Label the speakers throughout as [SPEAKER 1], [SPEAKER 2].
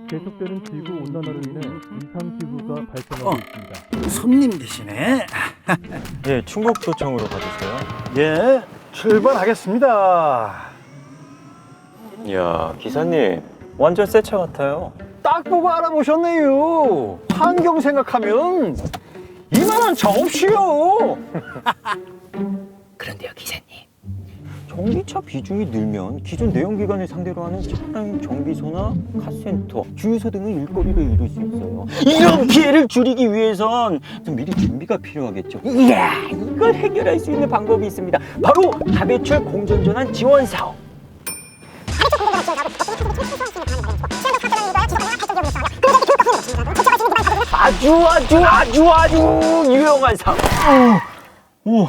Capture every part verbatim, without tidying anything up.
[SPEAKER 1] 계속되는 지구 온난화로 인해 이상 기후가 발생하고
[SPEAKER 2] 어.
[SPEAKER 1] 있습니다.
[SPEAKER 2] 손님 되시네.
[SPEAKER 3] 예, 충북도청으로 가주세요.
[SPEAKER 2] 예, 출발하겠습니다.
[SPEAKER 3] 이야, 기사님 완전 새 차 같아요.
[SPEAKER 2] 딱 보고 알아보셨네요. 환경 생각하면 이만한 차 없이요.
[SPEAKER 4] 그런데요, 기사님.
[SPEAKER 3] 전기차 비중이 늘면 기존 내연기관을 상대로 하는 차량 정비소나 카센터, 주유소 등의 일거리를 잃을 수 있어요. 이런 피해를 줄이기 위해선 좀 미리 준비가 필요하겠죠. 이야, 이걸 해결할 수 있는 방법이 있습니다. 바로 다배출 공전전환 지원 사업. 아주 아주 아주 아주 유용한 사업.
[SPEAKER 2] 오,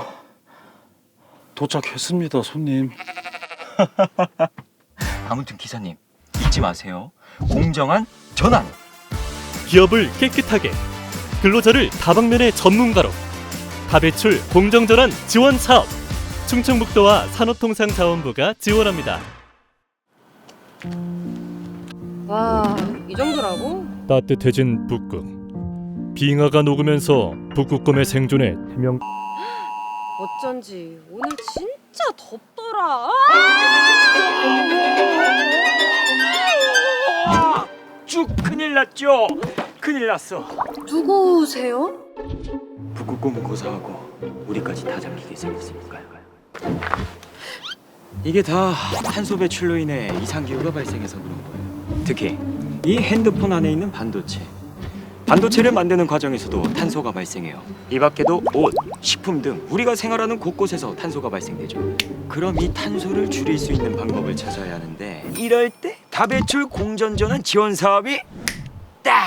[SPEAKER 2] 도착했습니다, 손님.
[SPEAKER 4] 아무튼 기사님, 잊지 마세요. 공정한 전환.
[SPEAKER 5] 기업을 깨끗하게, 근로자를 다방면의 전문가로. 다배출 공정전환 지원 사업. 충청북도와 산업통상자원부가 지원합니다.
[SPEAKER 6] 와, 이 정도라고?
[SPEAKER 5] 따뜻해진 북극. 빙하가 녹으면서 북극곰의 생존에 치명.
[SPEAKER 6] 어쩐지 오늘 진짜 덥더라.
[SPEAKER 3] 쭉 큰일 났죠. 큰일 났어.
[SPEAKER 6] 누구세요?
[SPEAKER 3] 북극곰은 고사하고 우리까지 다 잡히게 생겼으니까요. 이게 다 탄소 배출로 인해 이상기후가 발생해서 그런 거예요. 특히 이 핸드폰 안에 있는 반도체. 반도체를 만드는 과정에서도 탄소가 발생해요. 이 밖에도 옷, 식품 등 우리가 생활하는 곳곳에서 탄소가 발생되죠. 그럼 이 탄소를 줄일 수 있는 방법을 찾아야 하는데, 이럴 때 다배출 공전전환 지원 사업이 딱!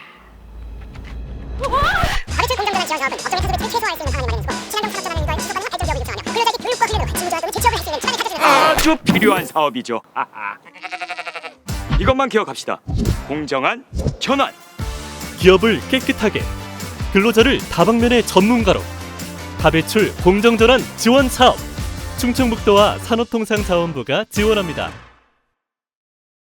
[SPEAKER 7] 다배출 공정전환 지원 사업은 어쩌면 탄소 배출을 최소화할 수 있는 방안이 마련이고 친환경 산업 전환을 인도하여 지속 가능한 안전 기업을 육성하며 근로자의 교육과 훈련으로 직무조합 등의 재취업을 할 수 있는 시간을 가져주는
[SPEAKER 3] 아주 필요한 사업이죠. 이것만 기억합시다. 공정한 전환.
[SPEAKER 5] 기업을 깨끗하게, 근로자를 다방면의 전문가로. 다배출 공정전환 지원 사업. 충청북도와 산업통상자원부가 지원합니다.